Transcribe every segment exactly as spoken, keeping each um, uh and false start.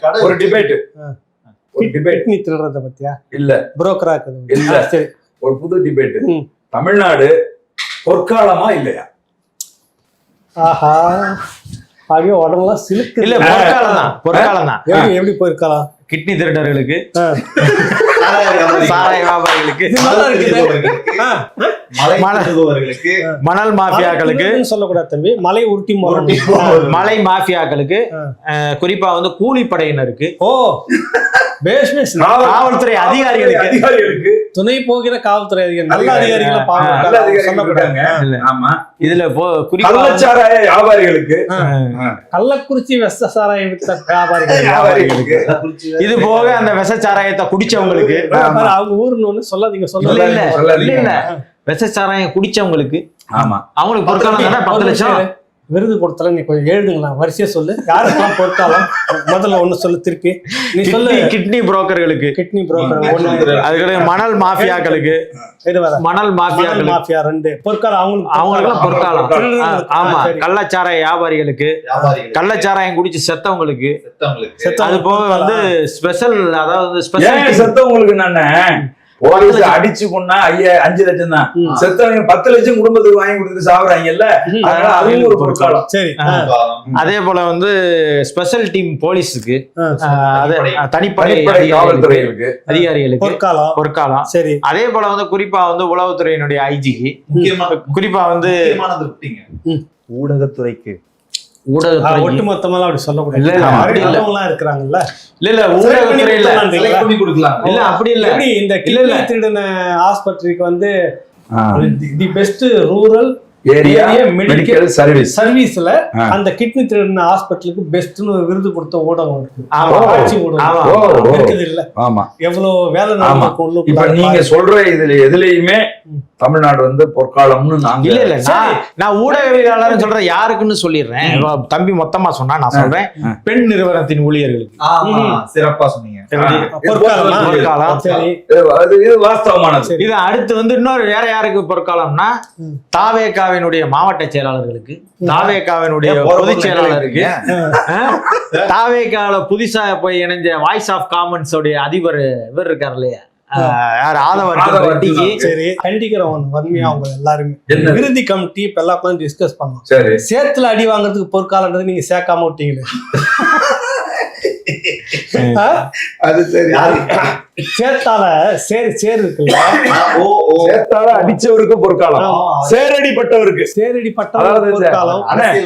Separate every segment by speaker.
Speaker 1: ஒரு டிபேட் ஒரு debate
Speaker 2: kidney திருடுறத பத்தியா
Speaker 1: இல்ல
Speaker 2: புரோக்கரா இருக்குது
Speaker 1: இல்ல
Speaker 2: சரி
Speaker 1: ஒரு புது டிபேட். தமிழ்நாடு பொற்காலமா இல்லையா?
Speaker 2: ஆஹா அப்படியே உடம்புலாம் சிலுக்கு.
Speaker 3: இல்ல பொற்காலம் தான், பொற்காலம் தான்.
Speaker 2: எப்படி எப்படி போயிருக்கலாம்?
Speaker 3: கிட்னி திருடர்களுக்கு, சாராய வியாபாரிகளுக்கு, மணல் மாஃபியாக்களுக்கு
Speaker 2: சொல்லக்கூடாது தம்பி, மலை உருட்டி
Speaker 3: மலை மாஃபியாக்களுக்கு, குறிப்பா வந்து கூலிப்படையினருக்கு, ஓ காவல்துறை அதிகாரிகளுக்கு,
Speaker 1: அதிகாரிகளுக்கு
Speaker 2: துணை போகிற காவல்துறை அதிகாரி நல்ல அதிகாரிகளை
Speaker 3: இதுல
Speaker 1: கள்ளச்சாராய வியாபாரிகளுக்கு,
Speaker 2: கள்ளக்குறிச்சி விஷ சாராயம் வித்த
Speaker 1: வியாபாரிகளுக்கு,
Speaker 3: இது போக அந்த விஷ சாராயத்தை குடிச்சவங்களுக்கு,
Speaker 2: அவங்க ஊருன்னு சொல்லாதீங்க சொல்ல
Speaker 3: இல்ல இல்ல விஷ சாராயம் குடிச்சவங்களுக்கு, ஆமா அவங்களுக்கு பொற்காலம் தானே பத்து லட்சம்
Speaker 2: விருது கொடுத்தல. நீ கொஞ்சம் எழுதுங்களா, வரிசையா சொல்லு. யாருக்கெல்லாம் பொற்காலம் முதல்ல ஒண்ணு சொல்லு, திருப்பி நீ சொல்லு.
Speaker 3: கிட்னி புரோக்கர்களுக்கு,
Speaker 2: கிட்னி புரோக்கர் ஒண்ணு,
Speaker 3: அதுக்கு மணல் மாஃபியாக்களுக்கு, மணல் மாஃபியாக்கள் மாஃபியா ரெண்டு பொற்காலம், அவங்களுக்கு அவங்களுக்கெல்லாம் பொற்காலம். ஆமா கள்ளச்சாராய வியாபாரிகளுக்கு, கள்ளச்சாராயம் குடிச்சு செத்தவங்களுக்கு, அது போக வந்து ஸ்பெஷல், அதாவது ஸ்பெஷல்
Speaker 1: செத்தவங்களுக்கு நானே போலீஸ் அடிச்சு கொண்டா ஐயா அஞ்சு லட்சம் தான், செத்தவங்க பத்து லட்சம் குடும்பத்துக்கு வாங்கி கொடுத்துட்டு சாப்பிடுறாங்கல்ல, அதனால அதுவும் ஒரு பொற்காலம்.
Speaker 2: சரி,
Speaker 3: அதே போல வந்து ஸ்பெஷல் டீம் போலீஸுக்கு, தனிப்படை
Speaker 1: காவல்துறைகளுக்கு,
Speaker 3: அதிகாரிகளுக்கு
Speaker 2: பொற்காலம்
Speaker 3: பொற்காலம்.
Speaker 2: சரி,
Speaker 3: அதே போல வந்து குறிப்பா வந்து உளவுத்துறையினுடைய ஐஜிக்கு, குறிப்பா வந்து
Speaker 1: ஊடகத்துறைக்கு,
Speaker 3: ஊடகத்துறை
Speaker 2: ஒட்டுமொத்தமா அப்படி சொல்லக்கூடாது. இருக்கிறாங்கல்ல
Speaker 3: இல்ல இல்ல ஊடகத்துறை இல்ல அப்படி இல்ல.
Speaker 2: இந்த கிட்னி திருடன ஆஸ்பத்திரிக்கு வந்து the best rural
Speaker 1: area medical service
Speaker 2: சர்வீஸ்ல அந்த கிட்னி திருடன ஹாஸ்பிட்டலுக்கு பெஸ்ட்னு விருது கொடுத்த ஊடகம் இருக்கு. இருக்குது இல்ல?
Speaker 1: ஆமா,
Speaker 2: எவ்வளவு வேலை நடக்கும்.
Speaker 1: இப்ப நீங்க சொல்ற இதுல எதுலயுமே தமிழ்நாடு வந்து பொற்காலம்னு நாங்க
Speaker 3: இல்ல இல்ல நான் ஊடகவியலாளர் சொல்றேன், யாருக்குன்னு சொல்லிடுறேன். தம்பி மொத்தமா சொன்னா நான் சொல்றேன், பெண் நிறுவனத்தின் ஊழியர்களுக்கு.
Speaker 1: சிறப்பா சொன்னீங்க,
Speaker 3: வாஸ்தவமானது. இது அடுத்து வந்து இன்னொரு வேற யாருக்கு பொற்காலம்னா, தாவேகாவினுடைய மாவட்ட செயலாளர்களுக்கு, தாவேகாவினுடைய பொதுச் செயலாளருக்கு, தாவேகால புதுசா போய் இணைஞ்ச வாய்ஸ் ஆஃப் காமன்ஸ் உடைய அதிபர் இவர் இருக்காரு இல்லையா,
Speaker 2: கண்டிக்கிறவன் வன்மையா அவங்க எல்லாருமே விருதி கமிட்டி இப்ப எல்லா டிஸ்கஸ் பண்ணோம். சேத்துல அடி வாங்குறதுக்கு பொற்காலன்றது நீங்க சேர்க்காம விட்டீங்களே,
Speaker 1: அது சரி.
Speaker 2: சேத்தால சேரு சேரு இருக்குல்ல,
Speaker 1: சேத்தால அடிச்சவருக்கு பொற்காலம், சேரடிப்பட்டவருக்கு
Speaker 2: சேரடிப்பட்டவருக்கு பொற்காலம்.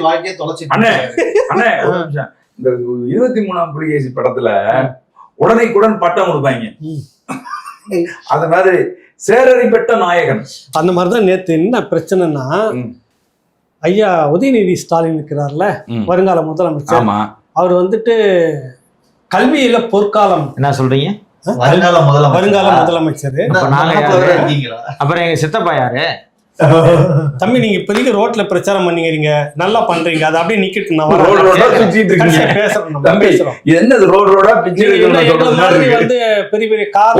Speaker 1: இந்த இருபத்தி மூணாம் புலிகேசி படத்துல உடனைக்குடன் பட்டம் கொடுப்பாங்க, அது மாதிரி சேரடிப்பட்ட நாயகன்.
Speaker 2: அந்த மாதிரிதான் நேத்து என்ன பிரச்சனைன்னா, ஐயா உதயநிதி ஸ்டாலின் இருக்கிறார்ல, வருங்கால முதலமைச்சர், அவர் வந்துட்டு கல்வியில பொற்காலம்
Speaker 3: என்ன சொல்றீங்க,
Speaker 2: வருங்கால வருங்கால முதலமைச்சர்.
Speaker 3: அப்புறம் எங்க சித்தப்பா யாரு
Speaker 2: தம்பி, நீங்க இப்போதைக்கு ரோட்ல பிரச்சாரம் பண்ணிக்கிறீங்க, நல்லா பண்றீங்க, அது அப்படியே நிக்கிட்டு
Speaker 1: என்னது ரோட் ரோடா பிச்சை
Speaker 2: வந்து பெரிய பெரிய கார்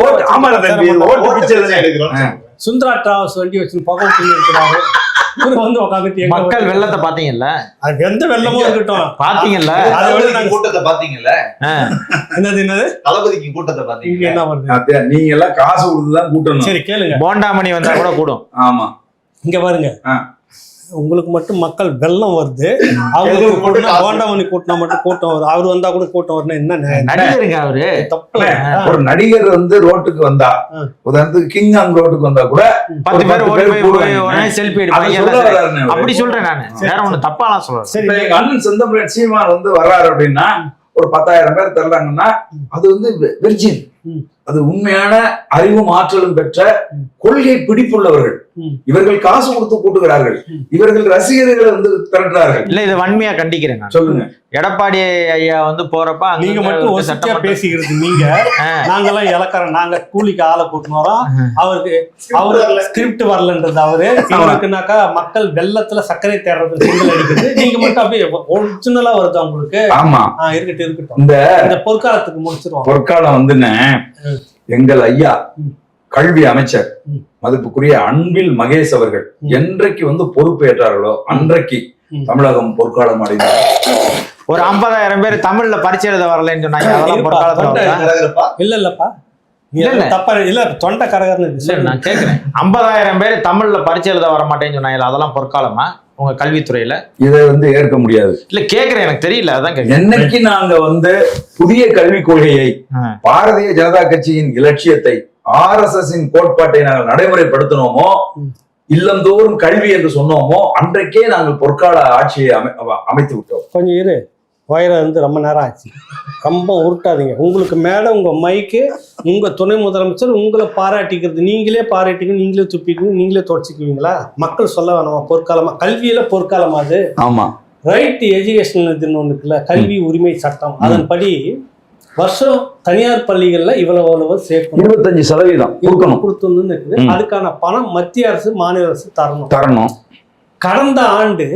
Speaker 2: சுந்தரா டிராவல்ஸ் வண்டி வச்சு பக்கம் இருக்கிறாரு. வந்து உட்காந்துட்டு
Speaker 3: மக்கள் வெள்ளத்தை பாத்தீங்கல்ல,
Speaker 2: அது எந்த வெள்ளமும் இருக்கட்டும்
Speaker 3: பாத்தீங்கல்ல,
Speaker 1: கூட்டத்தை பாத்தீங்கல்ல,
Speaker 2: என்னது என்னது
Speaker 1: தளபதிக்கு கூட்டத்தை பாத்தீங்க,
Speaker 2: என்ன வருது,
Speaker 1: நீங்க எல்லாம் காசு கொடுத்துதான் கூட்டணும்.
Speaker 2: சரி கேளுங்க,
Speaker 3: போண்டாமணி வந்தா கூட கூடும்.
Speaker 1: ஆமா,
Speaker 2: இங்க பாருங்க, உங்களுக்கு மட்டும் மக்கள் வெள்ளம் வருது, அவங்களுக்கு கூட்டினா போண்டாமணி கூட்டினா மட்டும் கூட்டம் வரும், அவரு வந்தா கூட கூட்டம் வரணும். என்ன
Speaker 3: நடிகருங்க அவரு,
Speaker 1: தப்பு. ஒரு நடிகர் வந்து ரோட்டுக்கு வந்தா, உதாரணத்துக்கு கிங்காங் ரோட்டுக்கு வந்தா கூட
Speaker 3: பத்து பேர் செல்ஃபி எடுப்பாங்க, அப்படி சொல்றேன் நானு, வேற ஒண்ணு தப்பாலாம் சொல்றேன்.
Speaker 1: எங்க அண்ணன் செந்தமிழன் சீமான் வந்து வர்றாரு அப்படின்னா ஒரு பத்தாயிரம் பேர் தர்றாங்கன்னா அது வந்து வெர்ஜின், அது உண்மையான அறிவும் ஆற்றலும் பெற்ற கொள்கை பிடிப்புள்ளவர்கள். இவர்கள் காசு கொடுத்து கூட்டுகிறார்கள், இவர்கள் ரசிகர்களை வந்து திரட்டுறார்கள்.
Speaker 3: இல்ல இதை வன்மையா கண்டிக்கிறேன்.
Speaker 1: சொல்லுங்க,
Speaker 3: எடப்பாடி ஐயா வந்து போறப்ப
Speaker 2: நீங்க மட்டும் சட்டமா பேசிக்கிறது, நீங்க நாங்கெல்லாம் இலக்காரம், நாங்க கூலிக்கு ஆளை கூட்டினு வரோம், அவருக்கு அவரு ஸ்கிரிப்ட் வரலன்றது அவரு, இவருக்குனாக்கா மக்கள் வெள்ளத்துல சர்க்கரை தேடுறது சிங்கல் அடிக்கிறது, நீங்க மட்டும் அப்படியே ஒரிஜினலா வருது உங்களுக்கு.
Speaker 1: ஆமா,
Speaker 2: இருக்கட்டும் இருக்கட்டும், இந்த பொற்காலத்துக்கு முடிச்சிருவோம்.
Speaker 1: பொற்காலம் வந்துன்னு எங்கள் ஐயா கல்வி அமைச்சர் மதிப்புக்குரிய அன்பில் மகேஷ் அவர்கள் என்றைக்கு வந்து பொறுப்பேற்றார்களோ அன்றைக்கு தமிழகம் பொற்காலம் அடைந்தார்.
Speaker 3: ஒரு ஐம்பதாயிரம் பேர் தமிழ்ல பரிச்சை எழுத வரலன்னு சொன்னாங்க. அதெல்லாம் பொற்காலத்துல வருதா?
Speaker 2: இல்ல இல்லப்பா
Speaker 3: இல்ல, இல்ல.
Speaker 2: தப்பா இல்ல தொண்டை கரகர்னு
Speaker 3: இல்ல நான் கேக்குறேன், ஐம்பதாயிரம் பேர் தமிழ்ல பரிச்சை எழுத வர மாட்டேன்னு சொன்னாங்க. அதெல்லாம் பொற்காலமா உங்க கல்வித்துறையில?
Speaker 1: இதை வந்து ஏற்க முடியாது.
Speaker 3: இல்ல கேக்குறேன், எனக்கு தெரியல, அதான் கேக்குறேன்.
Speaker 1: என்னைக்கு நாங்க வந்து புதிய கல்விக் கொள்கையை, பாரதிய ஜனதா கட்சியின் இலட்சியத்தை, ஆர் எஸ் எஸ் கோட்பாட்டை நாங்கள் நடைமுறைப்படுத்தினோமோ, இல்லந்தோறும் கல்வி என்று சொன்னோமோ, அன்றைக்கே நாங்கள் பொற்கால ஆட்சியை அமை அமைத்து விட்டோம்.
Speaker 2: கொஞ்சம் இரு, வயிறு வந்து ரொம்ப நேரம் ஆச்சு, ரொம்ப உருட்டாதீங்க. உங்களுக்கு மேல உங்க மைக்கு, உங்க துணை முதலமைச்சர் உங்களை பாராட்டிக்கிறது, நீங்களே பாராட்டிக்க, நீங்களே துப்பிக்கணும், நீங்களே தொடச்சிக்குவீங்களா? மக்கள் சொல்ல வேணாமா பொற்காலமா? கல்வியில பொற்காலமா அது?
Speaker 1: ஆமா,
Speaker 2: ரைட் எஜுகேஷன் இதுன்னு ஒண்ணு இருக்குல்ல, கல்வி உரிமை சட்டம், அதன்படி வருஷம் தனியார் பள்ளிகள்ல இவ்வளவு அவ்வளவு சேர்க்கணும்,
Speaker 1: இருபத்தஞ்சு சதவீதம் கொடுக்கணும்,
Speaker 2: கொடுத்துன்னு இருக்குது. அதுக்கான பணம் மத்திய அரசு மாநில அரசு தரணும்
Speaker 1: தரணும்.
Speaker 2: கடந்த ஆண்டு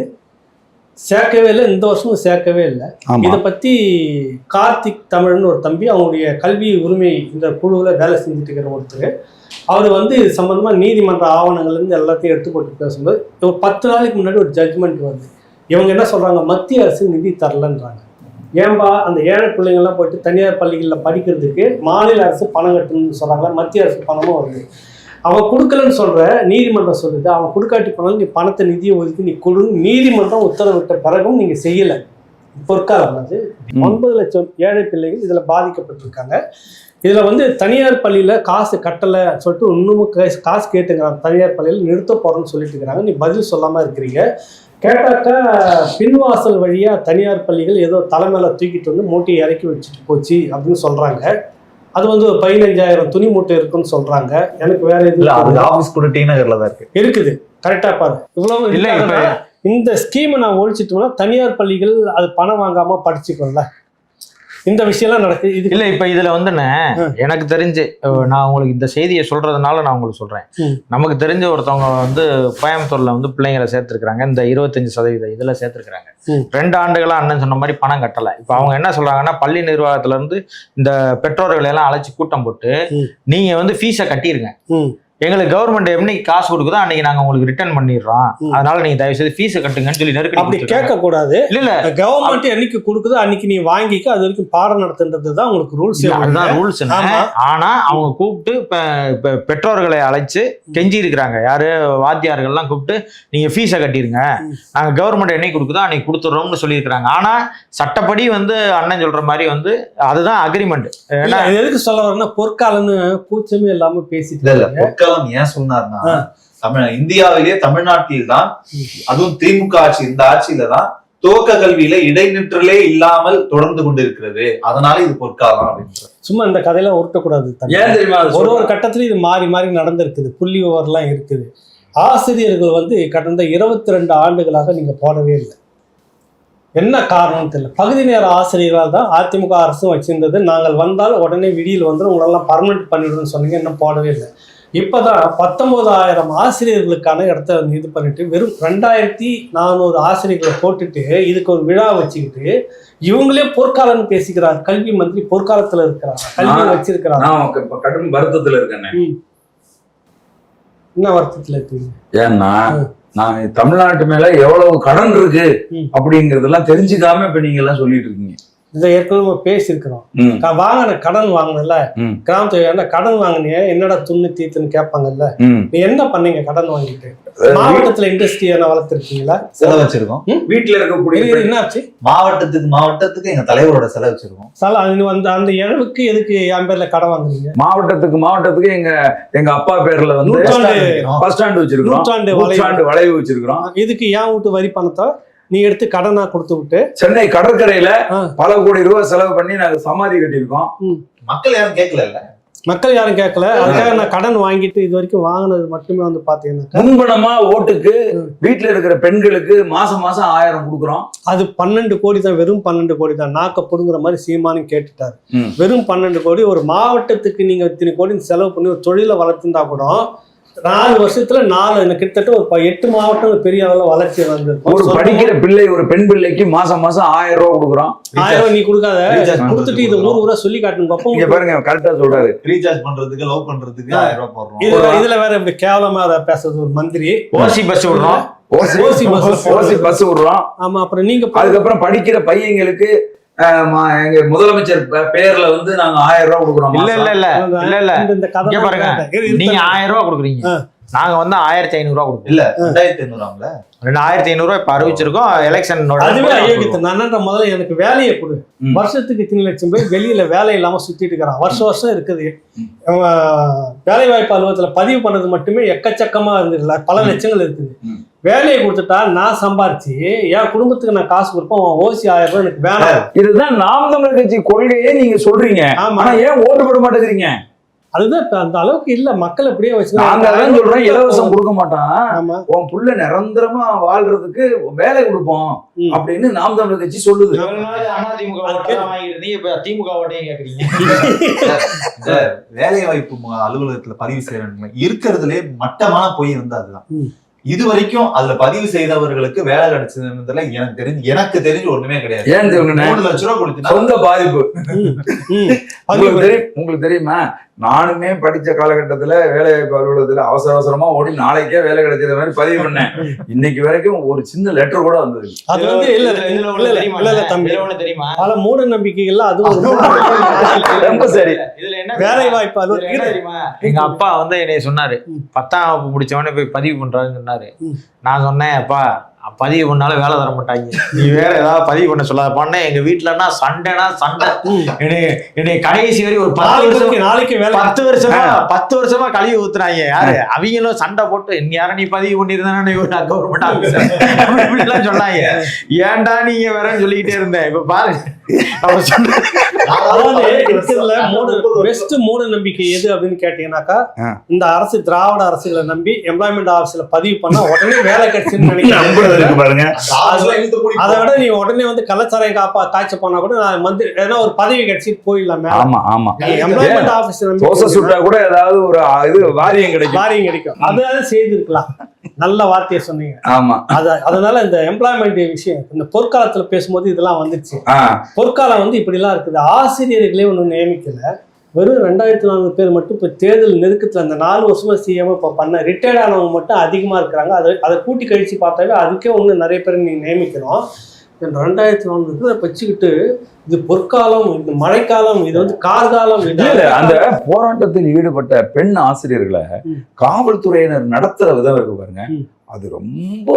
Speaker 2: சேர்க்கவே இல்லை, இந்த வருஷமும் சேர்க்கவே இல்லை. இதை பத்தி கார்த்திக் தமிழ்னு ஒரு தம்பி, அவங்களுடைய கல்வி உரிமை இந்த குழுவுல வேலை செஞ்சுட்டு இருக்கிற ஒருத்தர், அவர் வந்து சம்பந்தமா நீதிமன்ற ஆவணங்கள்ல இருந்து எல்லாத்தையும் எடுத்து போட்டு பேசும்போது, ஒரு பத்து நாளைக்கு முன்னாடி ஒரு ஜட்ஜ்மெண்ட் வருது. இவங்க என்ன சொல்றாங்க, மத்திய அரசு நிதி தரலன்றாங்க. ஏன்பா அந்த ஏழை பிள்ளைங்கள்லாம் போயிட்டு தனியார் பள்ளிகளில் படிக்கிறதுக்கு மாநில அரசு பணம் கட்டணும்னு சொல்றாங்க, மத்திய அரசு பணமும் வருது. அவன் கொடுக்கலன்னு சொல்ற, நீதிமன்றம் சொல்லுது அவன் கொடுக்காட்டி போனாலும் நீ பணத்தை நிதியை ஒதுக்கி நீ கொடு, நீதிமன்றம் உத்தரவிட்ட பிறகும் நீங்க செய்யல. பொற்காலம் அது ஒன்பது லட்சம் ஏழை பிள்ளைகள் இதுல பாதிக்கப்பட்டிருக்காங்க. இதுல வந்து தனியார் பள்ளியில காசு கட்டலை சொல்லிட்டு இன்னமும் காசு கேட்டுக்கிறாங்க, தனியார் பள்ளியில் நிறுத்த போறோம்னு சொல்லிட்டு இருக்கிறாங்க. நீ பதில் சொல்லாம இருக்கிறீங்க. கேட்டாக்கா பின்வாசல் வழியா தனியார் பள்ளிகள் ஏதோ தலைமையில தூக்கிட்டு வந்து மூட்டையை இறக்கி வச்சுட்டு போச்சு அப்படின்னு சொல்றாங்க. அது வந்து ஒரு பதினஞ்சாயிரம் துணி மூட்டை இருக்குன்னு சொல்றாங்க. எனக்கு வேற எதுவும்
Speaker 4: ஆபீஸ் கூட டி நகர்ல தான் இருக்கு
Speaker 2: இருக்குது. கரெக்டா பாரு, இவ்வளவு இல்ல. இந்த ஸ்கீமை நான் ஒழிச்சிட்டோம்னா தனியார் பள்ளிகள் அது பணம் வாங்காம படிச்சுக்கோல. இந்த விஷயம்லாம் நடக்குது. இது
Speaker 3: இல்ல இப்ப இதுல வந்துன்னு எனக்கு தெரிஞ்சு, நான் உங்களுக்கு இந்த செய்தியை சொல்றதுனால நான் உங்களுக்கு சொல்றேன். நமக்கு தெரிஞ்ச ஒருத்தவங்க வந்து கோயம்புத்தூர்ல வந்து பிள்ளைங்களை சேர்த்திருக்கிறாங்க, இந்த இருபத்தஞ்சு சதவீதம் இதுல சேர்த்திருக்கிறாங்க. ரெண்டு ஆண்டுகளா அண்ணன் சொன்ன மாதிரி பணம் கட்டல. இப்ப அவங்க என்ன சொல்றாங்கன்னா, பள்ளி நிர்வாகத்துல இருந்து இந்த பெற்றோர்களை எல்லாம் அழைச்சி கூட்டம் போட்டு நீங்க வந்து ஃபீஸை கட்டிருங்க, எங்களுக்கு கவர்மெண்ட் என்னைக்கு காசு கொடுக்குதோ அன்னைக்கு நாங்க உங்களுக்கு ரிட்டர்ன் பண்ணிடுறோம், அதனால நீங்க தயவு செய்து ஃபீஸ் கட்டுங்கன்னு சொல்லி நெருக்கடி.
Speaker 2: அப்படி கேட்க கூடாது. இல்ல இல்ல, கவர்மெண்ட் என்னைக்கு கொடுக்குதோ அன்னைக்கு நீ வாங்கிக்க, அது வரைக்கும் பாடம் நடத்துன்றது தான் உங்களுக்கு ரூல்ஸ்.
Speaker 3: அதுதான் ரூல்ஸ். ஆனா அவங்க கூப்பிட்டு பெற்றோர்களை அழைச்சு கெஞ்சி இருக்கிறாங்க. யாரு வாத்தியார்கள்லாம் கூப்பிட்டு நீங்க ஃபீஸை கட்டிருங்க, நாங்க கவர்மெண்ட் என்னைக்கு கொடுக்குதோ அன்னைக்கு கொடுத்துடுறோம்னு சொல்லியிருக்கிறாங்க. ஆனா சட்டப்படி வந்து அண்ணன் சொல்ற மாதிரி வந்து அதுதான் அக்ரிமெண்ட்.
Speaker 2: ஏன்னா எதுக்கு சொல்ல வரேன்னா, பொற்காலம்னு கூச்சமே இல்லாம பேசிட்டு
Speaker 4: ஏன் சொன்னார்னா, தமிழ் இந்தியாவிலேயே தமிழ்நாட்டில் தான், அதுவும் திமுக ஆட்சி, இந்த ஆட்சியில தான் துவக்க கல்வியில இடைநிற்றலே இல்லாமல் தொடர்ந்து கொண்டிருக்கிறது, அதனால இது பொற்காலம் அப்படின்னு.
Speaker 2: சும்மா இந்த கதையெல்லாம் உருட்டக்கூடாது. ஒரு ஒரு கட்டத்துல இது மாறி மாறி நடந்திருக்குது, புள்ளி விவரம்லாம் இருக்குது. ஆசிரியர்கள் வந்து கடந்த இருபத்தி ரெண்டு ஆண்டுகளாக நீங்க போடவே இல்லை. என்ன காரணம்னு தெரியல. பகுதி நேர ஆசிரியர்களால் தான் அதிமுக அரசும் வச்சிருந்தது. நாங்கள் வந்தால் உடனே விடியில் வந்து உங்களெல்லாம் பர்மனெண்ட் பண்ணிவிடுன்னு சொன்னீங்க, இன்னும் போடவே இல்லை. இப்பதான் பத்தொன்பதாயிரம் ஆசிரியர்களுக்கான இடத்த இது பண்ணிட்டு வெறும் ரெண்டாயிரத்தி நானூறு ஆசிரியர்களை போட்டுட்டு இதுக்கு ஒரு விழா வச்சுக்கிட்டு இவங்களே பொற்காலம்னு பேசிக்கிறார். கல்வி மந்திரி பொற்காலத்துல இருக்கிறாங்க, கல்வி வச்சிருக்கிறாங்க.
Speaker 1: கடும் வருத்தத்துல இருக்கேன்.
Speaker 2: என்ன வருத்தத்துல இருக்கீங்க?
Speaker 1: ஏன்னா நான் தமிழ்நாட்டு மேல எவ்வளவு கடன் இருக்கு அப்படிங்கறதெல்லாம் தெரிஞ்சுக்காம இப்ப நீங்க எல்லாம் சொல்லிட்டு இருக்கீங்க.
Speaker 2: இதை ஏற்கனவே பேசியிருக்கிறோம். வாங்கின கடன் வாங்கினல, கிராமத்துல கடன் வாங்கினிய என்னடா துண்ணு தீத்துன்னு கேட்பாங்கல்ல. நீ என்ன பண்ணீங்க கடன் வாங்கிட்டு? மாவட்டத்துல இண்டஸ்ட்ரி என்ன வளர்த்துருக்கீங்களா?
Speaker 4: செலவு வச்சிருக்கோம்.
Speaker 2: வீட்டுல இருக்கக்கூடிய என்னாச்சு?
Speaker 4: மாவட்டத்துக்கு மாவட்டத்துக்கு எங்க தலைவரோட செலவு வச்சிருக்கோம்.
Speaker 2: சார் அந்த அந்த இழவுக்கு எதுக்கு என் பேர்ல கடன் வாங்குறீங்க?
Speaker 1: மாவட்டத்துக்கு மாவட்டத்துக்கு எங்க எங்க அப்பா பேர்ல வந்து பஸ் ஸ்டாண்ட் வச்சிருக்கோம், நூற்றாண்டு வளைவு வச்சிருக்கிறோம்.
Speaker 2: இதுக்கு ஏன் வீட்டு வரி பணத்தை நீ எடுத்து கடனா கொடுத்து விட்டு
Speaker 1: சென்னை கடற்கரையில பல கோடி ரூபாய் செலவு பண்ணி நாங்க சமாதி கட்டியிருக்கோம்.
Speaker 4: மக்கள் யாரும் கேட்கல இல்ல
Speaker 2: மக்கள் யாரும் கேட்கல. அதுக்காக நான் கடன் வாங்கிட்டு இது வரைக்கும் வாங்கினது மட்டுமே வந்து பாத்தீங்கன்னா,
Speaker 1: முன்பணமா ஓட்டுக்கு வீட்டுல இருக்கிற பெண்களுக்கு மாசம் மாசம் ஆயிரம் கொடுக்குறோம்.
Speaker 2: அது பன்னெண்டு கோடி தான், வெறும் பன்னெண்டு கோடி தான். நாக்க புடுங்குற மாதிரி சீமானு கேட்டுட்டாரு. வெறும் பன்னெண்டு கோடி. ஒரு மாவட்டத்துக்கு நீங்க இத்தனை கோடி செலவு பண்ணி ஒரு தொழிலை வளர்த்துருந்தா கூட நாலு வருஷத்துல நாலு கிட்டத்தட்ட ஒரு எட்டு மாவட்டம் பெரிய அளவில் வளர்ச்சி வந்து
Speaker 1: ஒரு படிக்கிற பிள்ளை, ஒரு பெண் பிள்ளைக்கு மாசம் மாசம் ஆயிரம் ரூபாய் கொடுக்குறோம்.
Speaker 2: ஆயிரம் ரூபாய் நீ கொடுக்காத, கொடுத்துட்டு இது ஊர் ஊரா சொல்லி காட்டணும் பாப்போம்.
Speaker 1: இங்க பாருங்க, கரெக்டா சொல்றாரு.
Speaker 4: ரீசார்ஜ் பண்றதுக்கு, லவ் பண்றதுக்கு ஆயிரம் ரூபாய் போடுறோம்.
Speaker 2: இதுல வேற இப்படி கேவலமா அதை பேசுறது ஒரு மந்திரி.
Speaker 3: ஓசி பஸ் விடுறோம்,
Speaker 1: ஓசி
Speaker 2: ஓசி பஸ்
Speaker 1: ஓசி பஸ் விடுறோம்.
Speaker 2: ஆமா, அப்புறம் நீங்க
Speaker 1: அதுக்கப்புறம் படிக்கிற பையங்களுக்கு அஹ், ம- எங்க முதலமைச்சர் பே- பேர்ல வந்து நாங்க ஆயிரம் ரூபாய் கொடுக்குறோம்.
Speaker 3: இல்ல இல்ல இல்ல இல்ல இல்ல
Speaker 2: இந்த- இந்த கதை
Speaker 3: இங்க பாருங்க, நீங்க ஆயிரம் ரூபாய் கொடுக்குறீங்க, நாங்க வந்து ஆயிரத்தி ஐநூறு ரூபாய் கொடுப்போம்.
Speaker 4: இல்ல ரெண்டாயிரத்தி ஐநூறாம்ல
Speaker 3: ரெண்டாயிரத்தி ஐநூறு ரூபாய் இப்ப அறிவிச்சிருக்கோம். எலெக்ஷன்
Speaker 2: அதுவே அயோக்கியத்தை. நான் என்னன்ற முதல்ல எனக்கு வேலையை கொடு.
Speaker 1: ம்.
Speaker 2: வருஷத்துக்கு இத்தனை லட்சம் பேர் வெளியில வேலை இல்லாம சுத்திட்டு இருக்கிறான். வருஷம் வருஷம் இருக்குது. வேலை வாய்ப்பு அலுவலகத்துல பதிவு பண்ணது மட்டுமே எக்கச்சக்கமா இருந்துருல, பல லட்சங்கள் இருக்குது.
Speaker 1: ம்.
Speaker 2: வேலையை கொடுத்துட்டா நான் சம்பாரிச்சு என் குடும்பத்துக்கு நான் காசு கொடுப்பேன். அவன் ஓசி ஆயிரம் ரூபாய் எனக்கு வேணாம்.
Speaker 1: இதுதான் நாம் தமிழர் கட்சி கொள்கையே நீங்க சொல்றீங்க.
Speaker 2: ஆமா,
Speaker 1: ஆனா ஏன் ஓட்டு போட மாட்டேங்கிறீங்க?
Speaker 2: அதுதான் இப்ப அந்த அளவுக்கு இல்ல. மக்கள் அப்படியே
Speaker 1: நாங்க அதான் சொல்றோம், இலவசம்
Speaker 2: வச்சு.
Speaker 1: கொடுக்க மாட்டான்,
Speaker 2: ஆமா,
Speaker 1: உன் புள்ள நிரந்தரமா வாழ்றதுக்கு வேலை கொடுப்போம்
Speaker 2: ம்.
Speaker 1: அப்படின்னு நாம் தமிழர் கட்சி சொல்லுது.
Speaker 3: அதிமுக இப்ப திமுக ஓட்டையும் கேக்குறீங்க.
Speaker 4: இந்த வேலை வாய்ப்பு மு- அலுவலகத்துல பதிவு செய்யறாங்க இருக்கிறதுலே மட்டமான பொய் வந்து அதுதான்.
Speaker 2: ம்.
Speaker 4: இது வரைக்கும் அதுல பதிவு செய்தவர்களுக்கு வேலை கிடைச்சதுன்றதுல எனக்கு தெரிஞ்சு எனக்கு தெரிஞ்சு ஒண்ணுமே கிடையாது.
Speaker 1: ஏன் தெரியுமா?
Speaker 4: மூணு லட்சம் ரூபாய் கொடுத்தீங்கன்னா
Speaker 1: சொந்த பாதிப்பு.
Speaker 2: ம், ம்.
Speaker 1: உங்களுக்கு தெரியும் உங்களுக்கு தெரியுமா, நானுமே படிச்ச காலகட்டத்துல வேலை வாய்ப்பு அலுவலகத்துல அவசர அவசரமா ஓடி நாளைக்கே வேலை கிடைச்சது மாதிரி பதிவு பண்ணேன். இன்னைக்கு வரைக்கும் ஒரு சின்ன லெட்டர் கூட வந்தது.
Speaker 2: அது வந்து இல்ல இல்ல, இல்ல இல்ல, இல்ல இல்ல தம்பி,
Speaker 3: தெரியுமா?
Speaker 2: பல மூட நம்பிக்கைகள்ல அது ஒரு மூட நம்பிக்கை.
Speaker 1: ரொம்ப சரி.
Speaker 3: இதுல என்ன
Speaker 2: வேலை வாய்ப்பு
Speaker 3: இதுல என்ன
Speaker 2: அலுவலகம்
Speaker 3: தெரியுமா? எங்க அப்பா வந்து என்னைய சொன்னாரு,
Speaker 2: ம்.
Speaker 3: பத்தாம் வகுப்பு முடிச்சவனே போய் பதிவு பண்றாருன்னு சொன்னாரு.
Speaker 2: ம்.
Speaker 3: நான் சொன்னேன், அப்பா பதிவு பண்ணாலும் வேலை தர மாட்டாங்க, நீ வேற ஏதாவது பதிவு பண்ண சொல்லாத. பண்ண எங்க வீட்டுலன்னா சண்டைனா சண்டை. என்னை என்னை கடைசி வரை ஒரு பத்து வருஷம்
Speaker 2: நாளைக்கு நாளைக்கு வேலை
Speaker 3: பத்து வருஷமா பத்து வருஷமா கழுவி ஊத்துறாங்க. யாரு அவங்களும் சண்டை போட்டு நீ யாரும் நீ பதிவு பண்ணிருந்தானே கவர்மெண்ட் ஆபீசர் சொன்னாங்க. ஏன்டா நீங்க வேறன்னு சொல்லிக்கிட்டே இருந்தேன். இப்ப பாருங்க அவர் சொன்ன
Speaker 2: அதாவது இருக்கிறதுல மூட பெஸ்ட் மூட நம்பிக்கை எது அப்படின்னு கேட்டீங்கன்னாக்கா,
Speaker 1: ஆ.
Speaker 2: இந்த அரசு திராவிட அரசுகளை நம்பி எம்ப்ளாய்மெண்ட் ஆஃபீஸ்ல பதிவு பண்ணா உடனே வேலை கிடைச்சுன்னு நினைக்கிறேன்.
Speaker 1: பாருங்க,
Speaker 2: அதை விட நீ உடனே வந்து கள்ளச்சாராயம் காப்பா காய்ச்ச போனா கூட நான் வந்து ஏன்னா ஒரு பதவி கிடைச்சி போயிடலாம்.
Speaker 1: ஆமா ஆமா,
Speaker 2: எம்ப்ளாய்மெண்ட் ஆஃபீஸ்
Speaker 1: தோசை சுட்டா கூட ஏதாவது ஒரு இது வாரியம் கிடைக்கும்.
Speaker 2: வாரியம் கிடைக்கும். அதாவது செய்திருக்கலாம். நல்ல வார்த்தையை சொன்னீங்க.
Speaker 1: ஆமா,
Speaker 2: அத அதனால இந்த எம்ப்ளாய்மெண்ட் விஷயம் இந்த பொற்காலத்துல பேசும்போது இதெல்லாம் வந்துருச்சு.
Speaker 1: ஆ,
Speaker 2: பொற்காலம் வந்து இப்படி எல்லாம் இருக்குது. ஆசிரியர்களே ஒன்றும் நியமிக்கல. வெறும் ரெண்டாயிரத்தி நானூறு பேர் மட்டும் இப்போ தேர்தல் நெருக்கத்துல அந்த நாலு வருஷமா சிஎம் இப்போ பண்ண ரிட்டையர்ட் ஆனவங்க மட்டும் அதிகமா இருக்கிறாங்க. அதை அதை கூட்டி கழிச்சு பார்த்தாவே அதுக்கே ஒன்று நிறைய பேர் நீங்க நியமிக்கிறோம். இந்த ரெண்டாயிரத்தி நானூறு பேரை வச்சுக்கிட்டு இது பொற்காலம், இது மழைக்காலம், இது வந்து கார்காலம்.
Speaker 1: இல்ல, இல்ல, அந்த போராட்டத்தில் ஈடுபட்ட பெண் ஆசிரியர்களை
Speaker 2: ம்.
Speaker 1: காவல்துறையினர் நடத்துற விதம் இருக்கு பாருங்க,
Speaker 2: ம்.
Speaker 1: அது ரொம்ப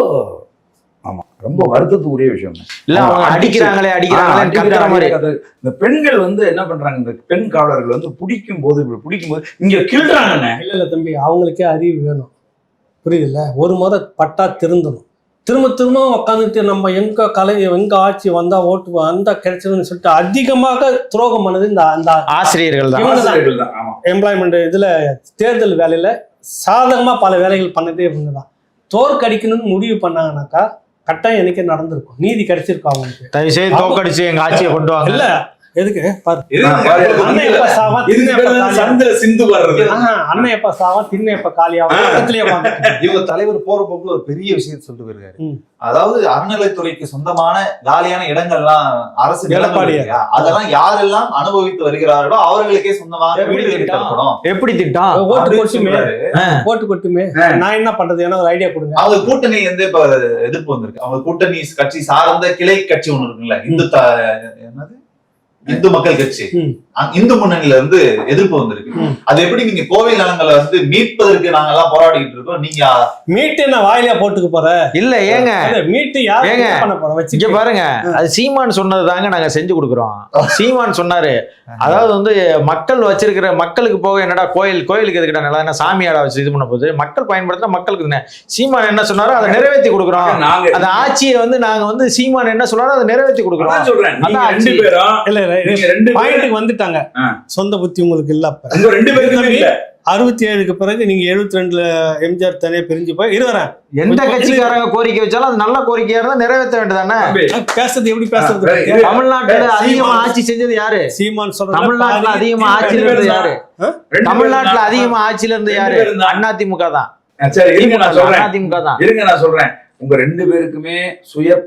Speaker 1: ஆமா ரொம்ப வருத்தத்துக்குரிய விஷயம்.
Speaker 3: இல்ல அவங்க அடிக்கிறாங்களே அடிக்கிறாங்களே கத்துற மாதிரி.
Speaker 1: இந்த பெண்கள் வந்து என்ன பண்றாங்க, இந்த பெண் காவலர்கள் வந்து பிடிக்கும் போது இப்படி பிடிக்கும் போது இங்க கிள்றாங்கண்ணே.
Speaker 2: இல்ல இல்ல தம்பி, அவங்களுக்கே அறிவு வேணும். புரியுதுல்ல? ஒரு முறை பட்டா திருந்தணும். திரும்ப திரும்ப உட்காந்துட்டு நம்ம எங்க கலை எங்க ஆட்சி வந்தா ஓட்டு வந்தா கிடைச்சதுன்னு சொல்லிட்டு அதிகமாக துரோகம் பண்ணது இந்த அந்த
Speaker 3: ஆசிரியர்கள் தான்.
Speaker 1: ஆசிரியர்கள் தான். ஆமா,
Speaker 2: எம்ப்ளாய்மெண்ட் இதுல தேர்தல் வேலையில சாதகமா பல வேலைகள் பண்ணதே இவங்க தான். தோற்கடிக்கணும்னு முடிவு பண்ணாங்கன்னாக்கா கட்டாயம் எனக்கே நடந்திருக்கும், நீதி கிடைச்சிருக்கும் அவங்களுக்கு.
Speaker 3: தயவு செய்து தோக்கடிச்சு எங்க ஆட்சியை கொண்டு வாங்க.
Speaker 2: இல்ல எதுக்கு பாரு,
Speaker 1: ஆ, பாரு,
Speaker 2: அண்ணன் எப்ப சாவா,
Speaker 1: இதுக்கு
Speaker 2: திண்ணை
Speaker 1: பேரு
Speaker 2: எப்ப
Speaker 1: தான்
Speaker 2: காலியா?
Speaker 1: சந்தில சிந்து வர்றது.
Speaker 2: ஆஹா, அண்ணன் எப்ப சாவா, திண்ணை எப்ப காலியாகும், பக்கத்துலயே உட்கார்ந்து.
Speaker 4: இவங்க தலைவர் போற போக்குல ஒரு பெரிய விஷயத்தை சொல்லிட்டு போயிருக்காரு.
Speaker 2: ம்.
Speaker 4: அதாவது அறநிலைத்துறைக்கு சொந்தமான காலியான இடங்கள்லாம் அரசு நிலங்கள்
Speaker 2: எடப்பாடி.
Speaker 4: இருக்கு இல்லையா? அதெல்லாம் யாரெல்லாம் அனுபவித்து வருகிறார்களோ அவர்களுக்கே சொந்தமாக
Speaker 3: எப்படி
Speaker 4: வீடு கட்டி
Speaker 3: திட்டம்?
Speaker 4: தரப்படும்
Speaker 3: எப்படி திட்டம்?
Speaker 2: ஓட்டு
Speaker 4: அப்படின்னு
Speaker 2: கொட்டுமே,
Speaker 4: சொல்றாரு.
Speaker 2: ஓட்டு கொட்டுமே, நான் என்ன பண்றது, எனக்கு ஒரு ஐடியா கொடுங்க.
Speaker 4: அவங்க கூட்டணி வந்து இப்ப எதிர்ப்பு வந்திருக்கு. அவங்க கூட்டணி கட்சி சார்ந்த கிளை கட்சி ஒண்ணு இருக்குல்ல, இந்து த- என்னது இந்து மக்கள் கட்சி,
Speaker 2: ம்.
Speaker 4: அங்க இந்து முன்னணியில இருந்து எதிர்ப்பு வந்திருக்கு.
Speaker 2: ம்.
Speaker 4: அது எப்படி நீங்க கோவில் நலங்களை வந்து மீட்பதற்கு நாங்க எல்லாம் போராடிட்டு இருக்கோம், நீங்க
Speaker 2: மீட்டு நான் வாயிலா போட்டுக்க போறேன்.
Speaker 3: இல்ல ஏங்க
Speaker 2: மீட்டு யாரு
Speaker 3: ஏங்க,
Speaker 2: என்ன பண்ண போறோம்
Speaker 3: இங்க
Speaker 2: வச்சு
Speaker 3: பாருங்க, அது சீமான் சொன்னது தாங்க நாங்க செஞ்சு கொடுக்குறோம். சீமான் சொன்னாரு, அதாவது வந்து மக்கள் வச்சிருக்கிற மக்களுக்கு போக என்னடா கோயில் கோயிலுக்கு எதுக்கிட்ட நல்லா என்ன சாமியாடா வச்சு இது பண்ண போகுது, மக்கள் பயன்படுத்தினா மக்களுக்கு தானே. சீமான் என்ன சொன்னாரோ அதை நிறைவேற்றி கொடுக்குறோம்.
Speaker 1: நாங்க
Speaker 3: அந்த ஆட்சியை வந்து நாங்க வந்து சீமான் என்ன சொன்னாரோ அதை நிறைவேற்றி கொடுக்குறோம்.
Speaker 1: அதான் சொல்றேன், நீங்க
Speaker 3: அதான்
Speaker 1: ரெண்டு
Speaker 3: ஆட்சி.
Speaker 1: பேரும்
Speaker 2: இல்ல இல்ல,
Speaker 1: நீங்க ரெண்டு பேரும்
Speaker 2: பாயிண்ட்டுக்கு வந்துட்டாங்க.
Speaker 1: ஆ.
Speaker 2: சொந்த புத்தி உங்களுக்கு இல்ல. அப்ப
Speaker 1: உங்க ரெண்டு பேருக்குமே இல்ல.
Speaker 2: அறுபத்தி ஏழுக்கு பிறகு நீங்க எழுபத்தி ரெண்டுல எம்ஜிஆர் தனியா பிரிஞ்சு போய் இருவரேன்.
Speaker 3: எந்த கட்சிக்காரங்க கோரிக்கை வச்சாலும் அது நல்ல கோரிக்கையா இருந்தா நிறைவேற்ற வேண்டியதானே.
Speaker 2: பேசுறது எப்படி பேசுறது?
Speaker 1: ஆ, இது-
Speaker 3: தமிழ்நாட்டுல அதிகமா ஆட்சி செஞ்சது யாரு?
Speaker 2: சீமான் சொல்ற
Speaker 3: தமிழ்நாட்டுல அதிகமா ஆட்சியில இருந்து யாரு? தமிழ்நாட்டுல அதிகமா ஆட்சியில இருந்து யாரு? அதிமுக தான்.
Speaker 1: சரி, இருங்க நான் சொல்றேன்
Speaker 3: அதிமுக தான்.
Speaker 1: இருங்க நான் சொல்றேன் உங்க ரெண்டு பேருக்குமே சுய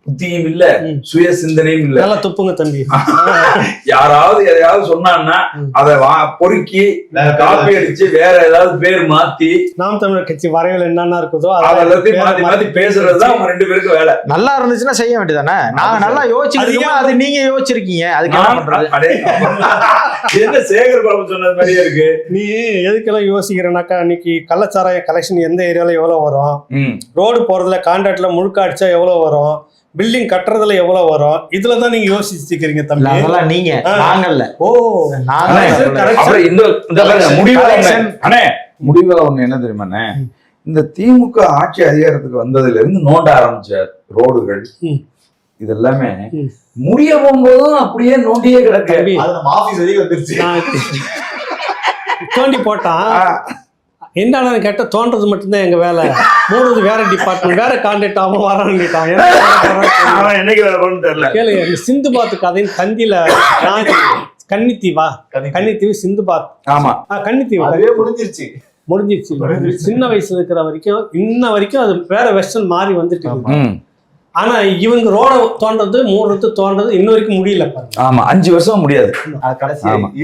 Speaker 1: புத்தியும் இல்ல,
Speaker 2: ம்.
Speaker 1: சுய சிந்தனையும் இல்ல.
Speaker 2: நல்லா துப்புங்க தம்பி.
Speaker 1: யாராவது எதையாவது சொன்னான்னா அதை வா பொறுக்கி காப்பி அடிச்சு வேற ஏதாவது பேர் மாத்தி
Speaker 2: நாம் தமிழர் கட்சி வரைவில் என்னென்ன இருக்குதோ
Speaker 1: அதெல்லாத்தையும் மாத்தி மாத்தி பேசுறதுதான் அவங்க ரெண்டு பேருக்கு வேலை.
Speaker 3: நல்லா இருந்துச்சுன்னா செய்ய வேண்டியதானே. நாங்க நல்லா யோசிச்சிருக்கோம், அது நீங்க யோசிச்சிருக்கீங்க. அதுக்கு என்ன பண்றது?
Speaker 1: அடே, என்ன சேகர் பாபு சொன்னது மாதிரியே இருக்கு.
Speaker 2: நீ எதுக்கெல்லாம் யோசிக்கிறனாக்கா, அன்னைக்கு கள்ளச்சாராய கலெக்ஷன் எந்த ஏரியால எவ்வளவு வரும்,
Speaker 1: ம்.
Speaker 2: ரோடு போறதுல கான்ட்ராக்ட்ல முழுக்க அடிச்சா எவ்வளவு வரும், பில்டிங் கட்டுறதுல எவ்வளவு வரும், இதுலதான் நீங்க யோசிச்சுக்கிறீங்க தம்பி.
Speaker 3: அதெல்லாம் நீங்க, நாங்கல்ல.
Speaker 2: ஓ
Speaker 3: நாங்க
Speaker 1: அப்புறம் இந்த இந்த பாருங்க, முடிவுல ஒண்ணு- அண்ணே முடிவுல ஒண்ணு என்ன தெரியுமாண்ணே, இந்த திமுக ஆட்சி அதிகாரத்துக்கு வந்ததுல இருந்து நோண்ட ஆரம்பிச்ச ரோடுகள்
Speaker 2: ம்.
Speaker 1: இதெல்லாமே
Speaker 2: ம்.
Speaker 1: முடிய போகும்போதும் அப்படியே நோண்டியே கிடக்கு.
Speaker 2: தம்பி,
Speaker 4: அது நம்ம ஆபீஸ் வரைக்கும் வந்துருச்சு.
Speaker 2: நான் தோண்டி போட்டான் என்னடா கேட்ட, தோன்றது மட்டும்தான் எங்க வேலை, மூணுது வேற டிபார்ட்மெண்ட், வேற கான்ட்ராக்ட் அவன் வரான்னுட்டான்.
Speaker 1: அவன் என்னைக்கு வேலை பண்ணு தெரியல.
Speaker 2: கேளுங்க, இந்த சிந்து பாத்து கதையின் தந்தியில நான் கன்னித்தீவா, கன்னித்தீவு சிந்து பாத்,
Speaker 1: ஆமா
Speaker 2: கன்னித்தீவு
Speaker 4: அதுவே முடிஞ்சிருச்சு.
Speaker 2: முடிஞ்சிருச்சு. சின்ன வயசுல இருக்கிற வரைக்கும் இன்ன வரைக்கும் அது வேற வெர்ஷன் மாறி வந்துட்டு இருக்கு.
Speaker 1: ம்.
Speaker 2: ஆனா இவங்க ரோட தோன்றது மூடுறது தோன்றது இன்ன வரைக்கும் முடியல பாருங்க.
Speaker 1: ஆமா அஞ்சு வருஷம் முடியாது.
Speaker 4: அது கடைசி
Speaker 1: ஆமா.